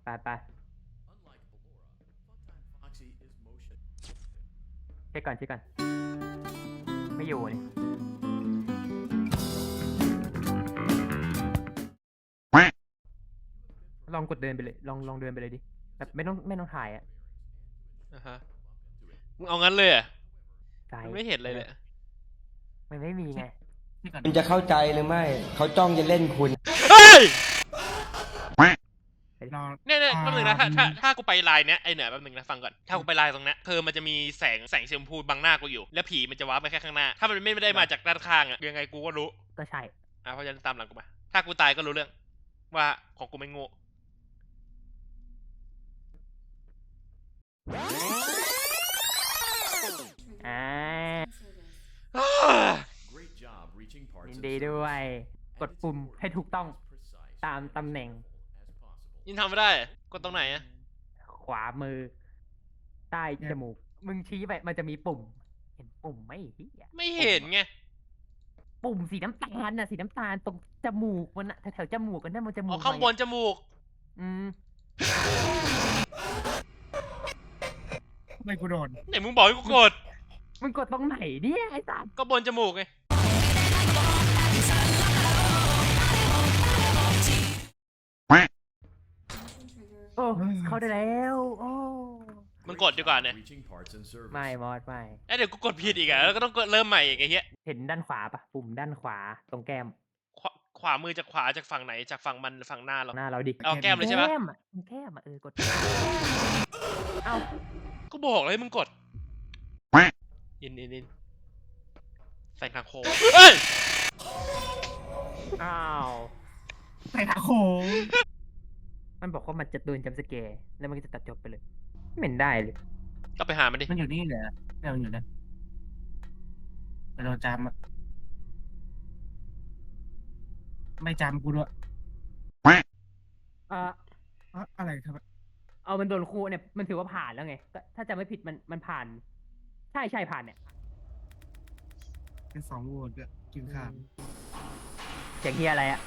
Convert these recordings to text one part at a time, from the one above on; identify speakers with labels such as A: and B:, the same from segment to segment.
A: ไปเช็คก่อนไม่อยู่เลยลองกดเดินไปเลยลองเดินไปเลยดิแบบไม่ต้องถ่ายอ่ะ
B: อ่ะฮะมึงเอางั้นเลยอ่ะ
A: ใจ
B: มันไม่เห็นเลยเลย
A: มันไม่มีไง
C: คุณจะเข้าใจหรือไม่เขาจ้องจะเล่นคุณ
B: เฮ้ยเนี่ยแป๊บนึงนะถ้ากูไปไลน์เนี้ยไอเหนือแป๊บนึงนะฟังก่อนถ้ากูไปไลน์ตรงเนี้ยคือมันจะมีแสงชมพูบังหน้ากูอยู่แล้วผีมันจะวาร์ปไปแค่ข้างหน้าถ้ามันไม่ได้มาจากด้านข้างอะยังไงกูก็รู้
A: ก็ใช่
B: เพราะฉะนั้นตามหลังกูมาถ้ากูตายก็รู้เรื่องว่าของกูไม่โง่
A: อ่ายินดีด้วยกดปุ่มให้ถูกต้องตามตำแหน่ง
B: ยินทำไม่ได้กดตรงไหนอะ
A: ขวามือใต้จมูกมึงชี้ไปมันจะมีปุ่มเห็นปุ่มไหมพี่
B: ไม่เห็นไง
A: ปุ่มสีน้ำตาลน่ะสีน้ำตาลตรงจมูกมันน่ะแถวจมูกกันนั่นมันจมูก
B: ข้างบนจมูก
A: อืม
C: ไม่กูโดน
B: ไหนมึงบอกให้กูกด
A: มึงกดตรงไหนเนี่ยไอ้สัส
B: ก็บนจมูกไง
A: โอ้เข้าได้แล้วโอ้
B: มึงกดดีกว่าเนี่ย
A: ไม่มอดไม่
B: เดี๋ยวกูกดผิดอีกอะแล้วก็ต้องกดเริ่มใหม่อีกไอ้เหี้ย
A: เห็นด้านขวาปะปุ่มด้านขวาตรงแก้ม
B: ขวามือจากขวาจากฝั่งไหนจากฝั่งมันฝั่งหน้าเรา
A: หน้าเราดิ
B: เอาแก้มเลยใช่ปะ
A: แก้มอ่ะกดเอา
B: ก็บอกเลยมึงกดอินใส่ทางโค้งเอ้ย
A: อ้าว
C: ใส่ขาโค้ง
A: มันบอกว่ามันจะโดนจัมป์สแกร์แล้วมันก็จะตัดจบไปเลยไม่เห็นได้เลย
B: ก็ไปหามันดิ
C: มันอยู่นี่เหรอเนี่ยมันอยู่นะเราจำอะไม่จำกูด้วย
A: อ่า
C: อะไรครับ
A: เอามันโดนครูเนี่ยมันถือว่าผ่านแล้วไงถ้าจำไม่ผิดมันผ่านใช่ผ่านเนี่ย
C: เป็น2 โหวตก็กินข้าว
A: เสียงเฮียอะไรอ่ะ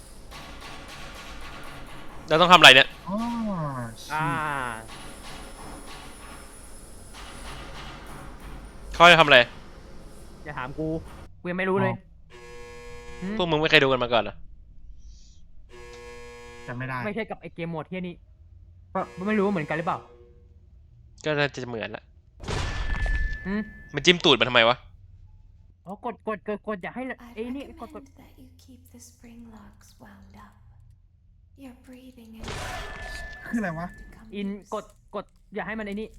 B: เราต้องทำอะไรเนี่ย
C: อ๋อ
B: เขาจะทำอะไร
A: อย่าถามกูยังไม่รู้เลย
B: พวกมึงไม่เคยดูกันมาก่อนเหรอ
C: จำไม่ได้
A: ไม่ใช่กับไอเกมโหมดที่นี่ไม่รู้ว่าเหมือนกันหรือเปล่า
B: ก็น่าจะเหมือนละ
A: อืม
B: มันจิ้มตูดมันทำไมวะ
A: อ๋อกดอย่าให้ไอ้นี่กด
C: คืออะไรวะ
A: อินกดอย่าให้มันไอ้นี่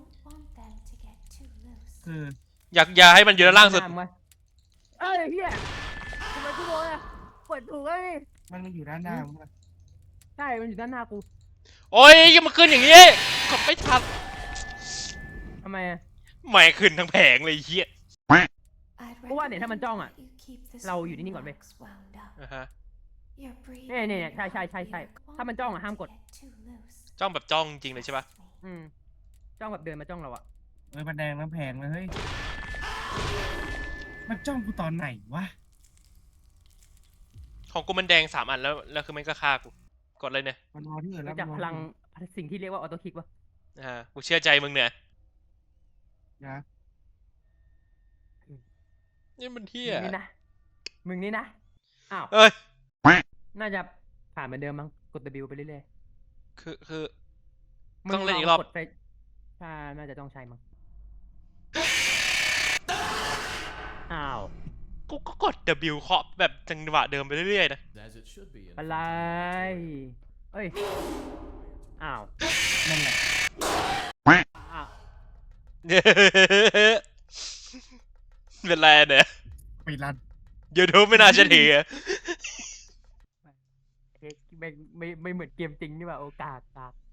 C: คือ
B: อยากให้มันอยู่ด้านล่างสุด
A: เอ้ยเฮียทำไมกูโดนอ่ะกดถูกแล้วนี่
C: มันอยู่ด้านหน้ามึง
A: ใช่มันอยู่ด้านหน้ากู
B: โอ้ยยังมาขึ้นอย่างนี้กดไม่ทัน
A: ทำไมอ่ะ
B: ไม่ขึ้นทั้งแผงเลยเฮีย
A: เพราะว่าเนี่ยถ้ามันจ้องอ่ะเราอยู่นิ่งๆก่อนไปเนี่ยใช่ถ้ามันจ้องอ่ะห้ามกด
B: จ้องแบบจ้องจริงเลยใช่ปะ
A: จ้องแบบเดินมาจ้องเราอ่ะ
C: มันแดงน้ำแพงเลยเฮ้ยมันจ้องกูตอนไหนวะ
B: ของกูมันแดง3 อันแล้วคือมันก็ฆ่ากูกดเลยเนี่ย
C: มันรอที่อื่นแล้ว
A: จากพลังสิ่งที่เรียกว่าออโต้คลิกวะ
B: กูเชื่อใจมึงเนี่ย
C: นะ
B: นี่มันเที่ย
A: มึงนี่นะอ้าวน่าจะผ่านเหมือนเดิมมั้งกด W ไปเรื่อย
B: ๆคือต้องเล่นอีกรอบ
A: ใช่น่าจะต้องใช้มั้งอ้าว
B: กูก็กด W เคาะแบบจังหวะเดิมไปเรื่อยๆนะ
A: อะไรเอ้ยอ้าว
C: นั่นแหละ
A: อ้าว
B: เป็นไรเนี่ย
C: ไปรัน
B: ยูทูบไม่น่าจะถือ
A: ไม่เหมือนเกมจริงนี่ว่าโอกาส